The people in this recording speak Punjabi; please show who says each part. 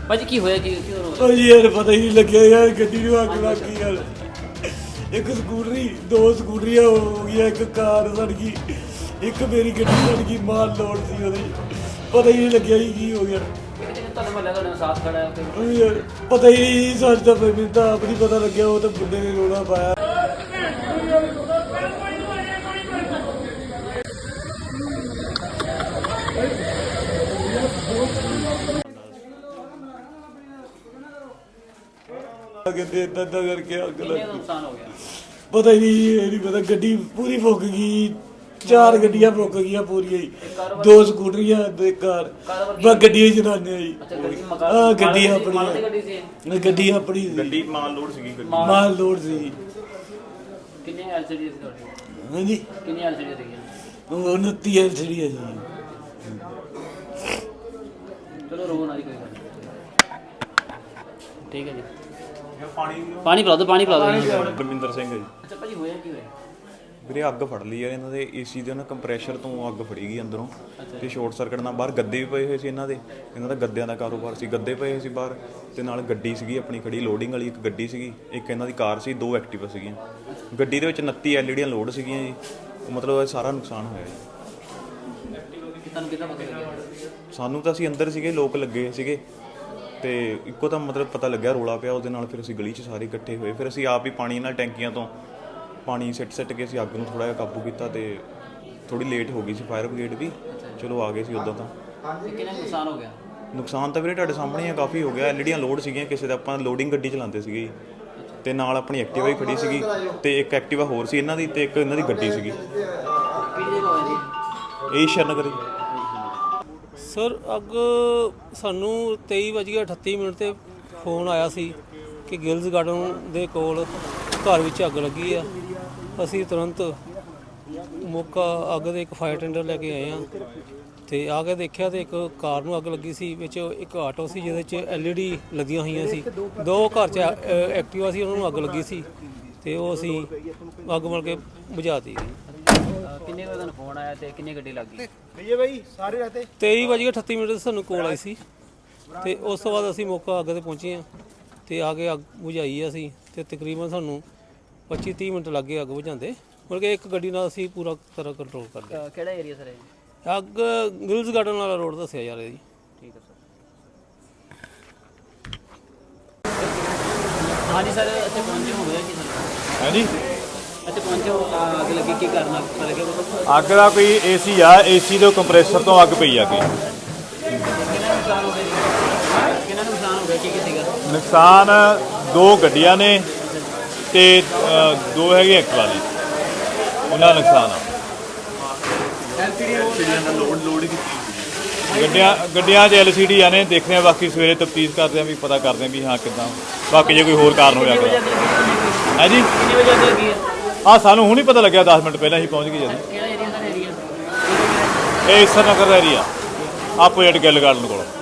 Speaker 1: ਭਾਜੀ ਕੀ ਹੋਇਆ ਕੀ ਕਿਉਂ
Speaker 2: ਭਾਜੀ ਯਾਰ ਪਤਾ ਹੀ ਨਹੀਂ ਲੱਗਿਆ ਯਾਰ ਗੱਡੀ ਨੂੰ ਅੱਗ ਲੱਗ ਗਈ ਯਾਰ। ਇੱਕ ਸਕੂਟਰੀ, ਦੋ ਸਕੂਟਰੀਆਂ ਹੋ ਗਈਆਂ, ਇੱਕ ਕਾਰ ਸੜ ਗਈ, ਇੱਕ ਮੇਰੀ ਗੱਡੀ ਸੜ ਗਈ। ਮਾਲ ਲੋਡ ਸੀ ਉਹਦੇ, ਪਤਾ ਹੀ ਨਹੀਂ ਲੱਗਿਆ ਜੀ ਕੀ ਹੋ ਗਿਆ।
Speaker 1: ਤੁਹਾਡੇ ਮਹੱਲੇ ਤੁਹਾਡੇ ਨਾਲ ਸਾਥ ਖੜਾ ਹੈ
Speaker 2: ਉਹ ਯਾਰ ਪਤਾ ਹੀ ਨਹੀਂ ਸੱਚ ਤਾਂ ਮੈਨੂੰ ਤਾਂ ਆਪ ਨਹੀਂ ਪਤਾ ਲੱਗਿਆ। ਉਹ ਤਾਂ ਬੁੱਢੇ ਨੇ ਰੋਣਾ ਪਾਇਆ। ਕਹਿੰਦੇ ਏਦਾਂ ਕਰਕੇ ਅੱਗ ਲੱਗ
Speaker 1: ਕਿੰਨੇ
Speaker 2: ਗਈ।
Speaker 1: ਨੁਕਸਾਨ ਹੋ ਗਿਆ?
Speaker 2: ਪਤਾ ਹੀ ਨਹੀਂ, ਇਹ ਨਹੀਂ ਪਤਾ। ਗੱਡੀ ਪੂਰੀ ਫੁੱਕ ਗਈ, 4 ਗੱਡੀਆਂ ਫੁੱਕ ਗਈਆਂ ਪੂਰੀਆਂ ਹੀ, 2 ਸਕੂਟਰੀਆਂ ਤੇ ਕਾਰ। ਬਸ ਗੱਡੀਆਂ ਹੀ ਚਲਾਉਂਦੇ ਆ ਜੀ। ਹਾਂ ਗੱਡੀ ਆਪਣੀ ਹੈ, ਗੱਡੀ ਆਪਣੀ ਸੀ।
Speaker 3: ਗੱਡੀ ਮਾਲ ਲੋਡ ਸੀਗੀ, ਗੱਡੀ
Speaker 2: ਮਾਲ ਲੋਡ ਸੀ।
Speaker 1: ਕਿੰਨੇ ਐਲਸੀਡੀ ਸੀ ਤੁਹਾਡੀ?
Speaker 2: ਹਾਂਜੀ
Speaker 1: ਕਿੰਨੀ ਐਲਸੀਡੀ ਸੀਗੀਆਂ?
Speaker 2: 29 ਐਲਸੀਡੀ ਹੈ ਜੀ।
Speaker 1: ਚਲੋ ਰੋ ਨਾ ਜੀ, ਕੋਈ ਗੱਲ ਨਹੀਂ। ਠੀਕ ਹੈ ਜੀ।
Speaker 3: ਪਾਣੀ
Speaker 1: ਪਾਣੀ ਪਿਲਾ ਦਿਓ, ਪਾਣੀ ਪਿਲਾ ਦਿਓ।
Speaker 3: ਗੁਰਮਿੰਦਰ ਸਿੰਘ ਹੈ ਜੀ।
Speaker 1: ਅੱਛਾ ਭਾਜੀ ਹੋਇਆ ਕੀ ਹੋਇਆ?
Speaker 3: ਵੀਰੇ ਅੱਗ ਫੜ ਲਈ ਯਾਰ ਇਹਨਾਂ ਦੇ ਏਸੀ ਦੇ ਨਾ ਕੰਪਰੈਸ਼ਰ ਤੋਂ ਅੱਗ ਫੜੀ ਗਈ ਅੰਦਰੋਂ ਤੇ ਸ਼ਾਰਟ ਸਰਕਟ ਨਾਲ ਬਾਹਰ ਗੱਦੇ ਵੀ ਪਏ ਹੋਏ ਸੀ ਇਹਨਾਂ ਦਾ ਗੱਦਿਆਂ ਦਾ ਕਾਰੋਬਾਰ ਸੀ। ਗੱਦੇ ਪਏ ਹੋਏ ਸੀ ਬਾਹਰ ਤੇ ਨਾਲ ਗੱਡੀ ਸੀਗੀ ਆਪਣੀ ਖੜੀ ਲੋਡਿੰਗ ਵਾਲੀ, ਇੱਕ ਗੱਡੀ ਸੀਗੀ, ਇੱਕ ਇਹਨਾਂ ਦੀ ਕਾਰ ਸੀ, 2 ਐਕਟਿਵਾ ਸੀਗੀਆਂ। ਗੱਡੀ ਦੇ ਵਿੱਚ 29 ਐਲਈਡੀਆਂ ਲੋਡ ਸੀਗੀਆਂ ਜੀ। ਮਤਲਬ ਸਾਰਾ ਨੁਕਸਾਨ ਹੋਇਆ ਜੀ।
Speaker 1: ਤੁਹਾਨੂੰ ਕਿੱਦਾਂ ਪਤਾ ਲੱਗਿਆ?
Speaker 3: ਸਾਨੂੰ ਤਾਂ ਅਸੀਂ ਅੰਦਰ ਸੀਗੇ, ਲੋਕ ਲੱਗੇ ਸੀਗੇ ਤੇ ਇੱਕੋ ਤਾਂ ਮਤਲਬ ਪਤਾ ਲੱਗਿਆ ਰੋਲਾ ਪਿਆ ਉਹਦੇ ਨਾਲ। ਫਿਰ ਅਸੀਂ ਗਲੀ 'ਚ ਸਾਰੇ ਇਕੱਠੇ ਹੋਏ, ਫਿਰ ਅਸੀਂ ਆਪ ਹੀ ਪਾਣੀ ਨਾਲ ਟੈਂਕੀਆਂ ਤੋਂ ਪਾਣੀ ਸਿੱਟ ਕੇ ਅਸੀਂ ਅੱਗ ਨੂੰ ਥੋੜ੍ਹਾ ਜਿਹਾ ਕਾਬੂ ਕੀਤਾ ਤੇ ਥੋੜੀ ਲੇਟ ਹੋ ਗਈ ਸੀ ਫਾਇਰ ਬ੍ਰਿਗੇਡ ਵੀ। ਚਲੋ ਆ ਗਏ ਸੀ ਉੱਦਾਂ ਤਾਂ।
Speaker 1: ਕਿੰਨਾ ਨੁਕਸਾਨ ਹੋ ਗਿਆ?
Speaker 3: ਨੁਕਸਾਨ ਤਾਂ ਵੀਰੇ ਤੁਹਾਡੇ ਸਾਹਮਣੇ ਆ, ਕਾਫੀ ਹੋ ਗਿਆ। ਐਲਈਡੀਆਂ ਲੋਡ ਸੀਗੀਆਂ ਕਿਸੇ ਦਾ, ਆਪਾਂ ਲੋਡਿੰਗ ਗੱਡੀ ਚਲਾਉਂਦੇ ਸੀਗੇ ਤੇ ਨਾਲ ਆਪਣੀ ਐਕਟਿਵਾ ਹੀ ਖੜੀ ਸੀਗੀ ਤੇ ਇੱਕ ਐਕਟਿਵਾ ਹੋਰ ਸੀ ਇਹਨਾਂ ਦੀ ਤੇ ਇੱਕ ਇਹਨਾਂ ਦੀ ਗੱਡੀ ਸੀਗੀ।
Speaker 1: ਕਿਹੜੀ ਜਗ੍ਹਾ ਹੋਇਆ ਜੀ?
Speaker 3: ਇਹ ਸ਼ਰਨਗਰ
Speaker 4: ਸਰ ਅੱਗ ਸਾਨੂੰ 23:38 ਤੇ ਫੋਨ ਆਇਆ ਸੀ ਕਿ ਗਿਲਜ਼ ਗਾਰਡਨ ਦੇ ਕੋਲ ਘਰ ਵਿੱਚ ਅੱਗ ਲੱਗੀ ਆ। ਅਸੀਂ ਤੁਰੰਤ ਮੌਕਾ ਅੱਗ ਦੇ ਇੱਕ ਫਾਇਰ ਟੈਂਡਰ ਲੈ ਕੇ ਆਏ ਆ ਤੇ ਆ ਕੇ ਦੇਖਿਆ ਤੇ ਇੱਕ ਕਾਰ ਨੂੰ ਅੱਗ ਲੱਗੀ ਸੀ, ਵਿੱਚ ਇੱਕ ਆਟੋ ਸੀ ਜਿਹਦੇ 'ਚ ਐਲਈਡੀ ਲੱਗੀਆਂ ਹੋਈਆਂ ਸੀ, 2 ਘਰ 'ਚ ਐਕਟਿਵਾ ਸੀ, ਉਹਨਾਂ ਨੂੰ ਅੱਗ ਲੱਗੀ ਸੀ ਤੇ ਉਹ ਅਸੀਂ ਅੱਗ ਮਲ ਕੇ ਬੁਝਾਤੀ।
Speaker 1: ਕਿੰਨੇ ਵਜੇ ਤੁਹਾਨੂੰ ਫੋਨ ਆਇਆ ਤੇ ਕਿੰਨੀ ਗੱਡੀ ਲੱਗ ਗਈ?
Speaker 4: 23:38 ਤੇ ਸਾਨੂੰ ਕੋਲ ਆਈ ਸੀ ਤੇ ਉਸ ਤੋਂ ਬਾਅਦ ਅਸੀਂ ਮੌਕਾ ਅੱਗ ਤੇ ਪਹੁੰਚੇ ਆ ਤੇ ਆ ਕੇ ਅੱਗ ਬੁਝਾਈ ਆ ਅਸੀਂ ਤੇ ਤਕਰੀਬਨ ਸਾਨੂੰ 25-30 ਮਿੰਟ ਲੱਗੇ ਅੱਗ ਬੁਝਾਉਂਦੇ। ਮਤਲਬ ਕਿ ਇੱਕ ਗੱਡੀ ਨਾਲ ਅਸੀਂ ਪੂਰਾ ਤਰ੍ਹਾਂ ਕੰਟਰੋਲ ਕਰ ਲਿਆ।
Speaker 1: ਕਿਹੜਾ ਏਰੀਆ ਸਰ ਇਹ?
Speaker 4: ਅੱਗ ਗਿਲਜ਼ ਗਾਰਡਨ ਵਾਲਾ ਰੋਡ ਦੱਸਿਆ ਜਾ ਰਿਹਾ ਜੀ।
Speaker 1: ਠੀਕ ਹੈ ਸਰ। ਹਾਂਜੀ ਸਰ, ਇੱਥੇ ਪਹੁੰਚੇ ਹੋ ਗਿਆ ਕੀ ਸਰ?
Speaker 5: ਹਾਂਜੀ
Speaker 1: ਇੱਥੇ ਪਹੁੰਚੇ ਹੋ, ਅੱਗ ਲੱਗੀ ਕੀ ਕਰਨਾ ਪਤਾ ਲੱਗਿਆ?
Speaker 5: ਅੱਗ ਦਾ ਕੋਈ ਏਸੀ ਆ, ਏਸੀ ਦੇ ਕੰਪਰੈਸਰ ਤੋਂ ਅੱਗ ਪਈ ਆ ਗਈ।
Speaker 1: ਕਿੰਨਾ ਨੁਕਸਾਨ ਹੋ ਗਿਆ ਜੀ? ਕਿੰਨਾ ਨੁਕਸਾਨ ਹੋ ਗਿਆ? ਕੀ ਸੀਗਾ
Speaker 5: ਨੁਕਸਾਨ 2 ਗੱਡੀਆਂ ਨੇ ਤੇ 2 ਹੈਗੇ ਐਕਟਿਵਾ ਵਾਲੀ, ਉਹਨਾਂ ਦਾ ਨੁਕਸਾਨ ਆ। ਗੱਡੀਆਂ 'ਚ LCD ਨੇ, ਦੇਖਦੇ ਆ ਬਾਕੀ ਸਵੇਰੇ ਤਫਤੀਸ਼ ਕਰਦੇ ਆ ਵੀ ਪਤਾ ਕਰਦੇ ਆ ਵੀ ਹਾਂ ਕਿੱਦਾਂ, ਬਾਕੀ ਜੇ ਕੋਈ ਹੋਰ ਕਾਰਨ ਹੋਇਆ ਹੈ ਜੀ।
Speaker 1: ਕਿੰਨੇ ਵਜੇ ਅੱਗ ਲੱਗੀ ਹੈ?
Speaker 5: ਹਾਂ ਸਾਨੂੰ ਹੁਣ ਹੀ ਪਤਾ ਲੱਗਿਆ, 10 ਮਿੰਟ ਪਹਿਲਾਂ ਹੀ ਪਹੁੰਚ ਗਏ ਜਦੋਂ।
Speaker 1: ਕਿਹੜਾ ਏਰੀਆ ਸਰ? ਏਰੀਆ
Speaker 5: ਇਹ ਈਸਰ ਨਗਰ ਦਾ ਏਰੀਆ, ਆਪੋਜੀਟ ਗਿੱਲ ਗਾਰਡਨ ਕੋਲ।